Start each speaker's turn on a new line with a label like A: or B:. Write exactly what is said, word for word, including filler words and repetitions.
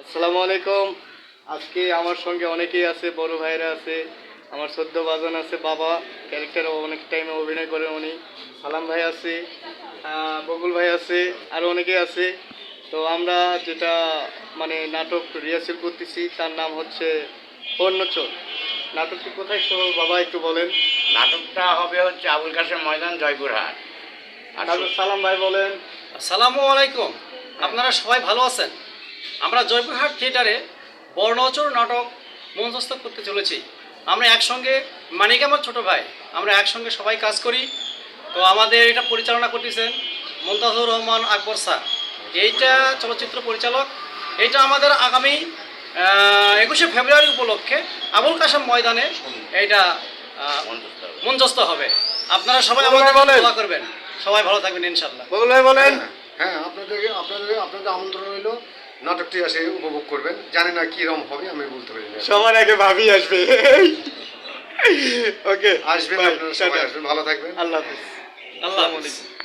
A: আসসালামু আলাইকুম। আজকে আমার সঙ্গে অনেকেই আছে, বড় ভাইরা আছে, আমার সদ্য বাজন আছে, বাবা ক্যারেক্টার অনেক টাইমে অভিনয় করে উনি, সালাম ভাই আছে, আহ, বকুল ভাই আছে, আরও অনেকেই আছে। তো আমরা যেটা মানে নাটক রিহার্সেল করতেছি তার নাম হচ্ছে অন্যচল। নাটকটি কোথায় শো বাবা একটু বলেন।
B: নাটকটা হবে হচ্ছে আবুল কাশেম ময়দান, জয়পুরহাট। আর
A: তারপর সালাম ভাই বলেন।
C: আসসালামু আলাইকুম, আপনারা সবাই ভালো আছেন? আমরা জয়পুরহাট থিয়েটারে বর্ণচর নাটক মঞ্চস্থ করতে চলেছি। আমরা একসঙ্গে, মানিক আমার ছোটো ভাই, আমরা একসঙ্গে সবাই কাজ করি। তো আমাদের এটা পরিচালনা করতেছেন মুনতাজুর রহমান আকবর স্যার, এইটা চলচ্চিত্র পরিচালক। এইটা আমাদের আগামী একুশে ফেব্রুয়ারি উপলক্ষে আবুল কাশেম ময়দানে এইটা আহ,
B: মঞ্চস্থ হবে।
C: মঞ্চস্থ হবে। আপনারা সবাই
A: বকুল ভাই
C: আমাদের
A: বলেন।
C: দোয়া করবেন, সবাই ভালো থাকবেন ইনশাল্লাহ।
A: বকুল ভাই বলেন।
D: হ্যাঁ, আপনাদেরকে আপনাদের আপনাদের আমন্ত্রণ রইল, নাটকটি আসে উপভোগ করবেন। জানি না কীরকম হবে, আমি বলতে পারি না।
A: সবার আগে ভাবি আসবে। ওকে,
D: আসবেন, আপনারা সবাই আসবেন, ভালো থাকবেন।
A: আল্লাহ হাফিজ।
C: আল্লাহ
A: আসসালামু
C: হাফিজ।
A: আলাইকুম।